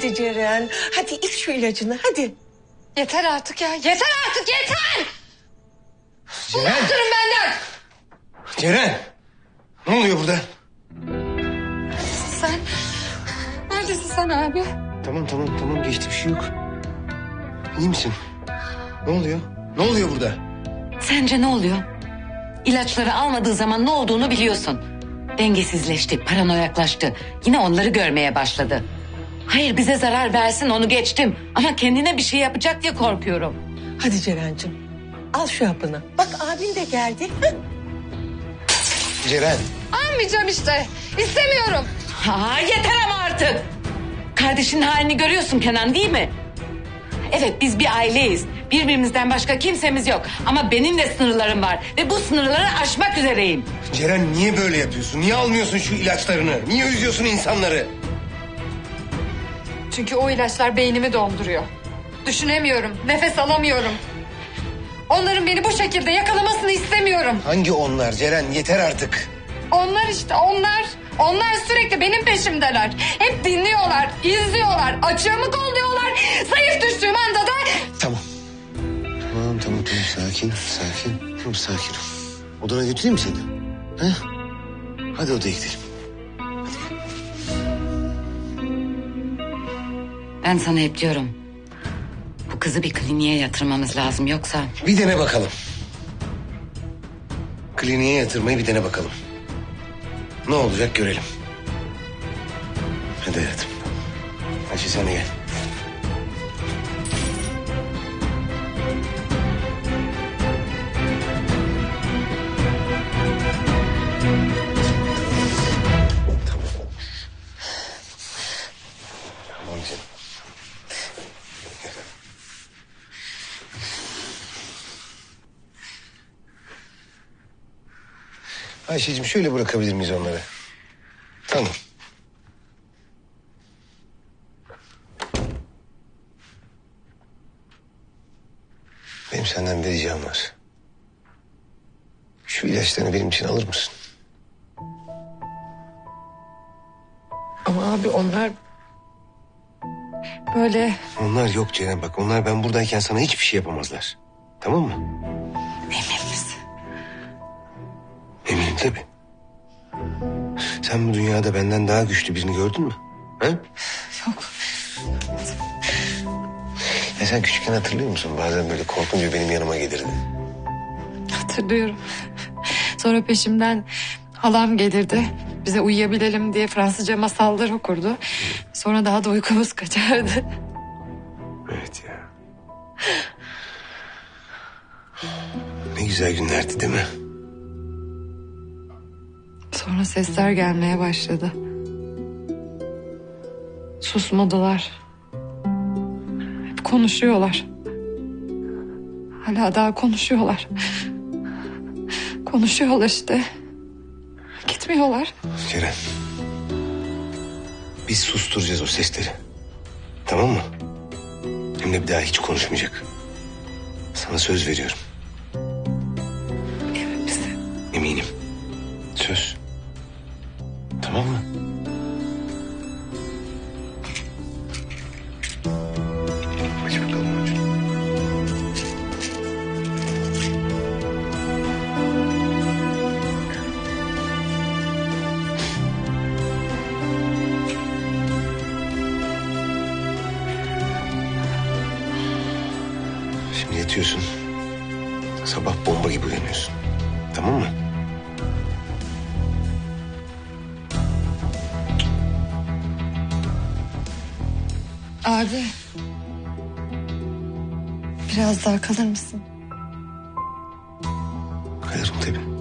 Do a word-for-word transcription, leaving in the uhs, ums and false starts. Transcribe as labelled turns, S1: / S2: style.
S1: Hadi Ceren, hadi iç şu ilacını, hadi.
S2: Yeter artık ya, yeter artık, yeter!
S3: Ceren!
S2: Uzak durun benden!
S3: Ceren! Ne oluyor burada?
S2: Sen, neredesin sen abi?
S3: Tamam tamam tamam geçti bir şey yok. İyi misin? Ne oluyor? Ne oluyor burada?
S4: Sence ne oluyor? İlaçları almadığı zaman ne olduğunu biliyorsun. Dengesizleşti, paranoyaklaştı. Yine onları görmeye başladı. Hayır bize zarar versin onu geçtim. Ama kendine bir şey yapacak diye korkuyorum.
S1: Hadi Ceren'cim, al şu hapını. Bak abin de geldi.
S3: Ceren!
S2: Almayacağım işte, istemiyorum.
S4: Ha, yeter ama artık. Kardeşinin halini görüyorsun Kenan değil mi? Evet biz bir aileyiz. Birbirimizden başka kimsemiz yok. Ama benim de sınırlarım var. Ve bu sınırları aşmak üzereyim.
S3: Ceren niye böyle yapıyorsun? Niye almıyorsun şu ilaçlarını? Niye üzüyorsun insanları?
S2: Çünkü o ilaçlar beynimi donduruyor. Düşünemiyorum, nefes alamıyorum. Onların beni bu şekilde yakalamasını istemiyorum.
S3: Hangi onlar Ceren? Yeter artık.
S2: Onlar işte, onlar. Onlar sürekli benim peşimdeler. Hep dinliyorlar, izliyorlar, açığımı kolluyorlar. Zayıf düştüğüm anda da...
S3: Tamam. Tamam tamam tamam sakin sakin. Tamam sakin ol. Odana götüreyim mi seni? He? Hadi odaya gidelim.
S4: Ben sana hep diyorum. Bu kızı bir kliniğe yatırmamız lazım yoksa...
S3: Bir dene bakalım. Kliniğe yatırmayı bir dene bakalım. Ne olacak görelim. Hadi hayatım. Ayşe sen de gel. Tamam. Tamam canım. Ayşe'cim şöyle bırakabilir miyiz onları? Tamam. Benim senden bir ricam var. Şu ilaçlarını benim için alır mısın?
S2: Ama abi onlar... Böyle...
S3: Onlar yok Ceren bak. Onlar ben buradayken sana hiçbir şey yapamazlar. Tamam mı?
S4: Emin misin?
S3: Eminim tabii. Sen bu dünyada benden daha güçlü birini gördün mü? Ha?
S2: Yok.
S3: Ya sen küçükken hatırlıyor musun? Bazen böyle korkunca benim yanıma gelirdi.
S2: Hatırlıyorum. Sonra peşimden halam gelirdi. Bize uyuyabilelim diye Fransızca masallar okurdu. Sonra daha da uykumuz kaçardı.
S3: Evet ya. Ne güzel günlerdi değil mi?
S2: Sonra sesler gelmeye başladı. Susmadılar. Hep konuşuyorlar. Hala daha konuşuyorlar. Konuşuyorlar işte. Gitmiyorlar.
S3: Ceren. Biz susturacağız o sesleri. Tamam mı? Hem de bir daha hiç konuşmayacak. Sana söz veriyorum.
S2: Emin misin?
S3: Eminim. Söz. Tamam mı? Aç bakalım aç. Şimdi yatıyorsun. Sabah bomba gibi uyanıyorsun. Tamam mı?
S2: Abi. Biraz daha kalır mısın?
S3: Kalırım tabii.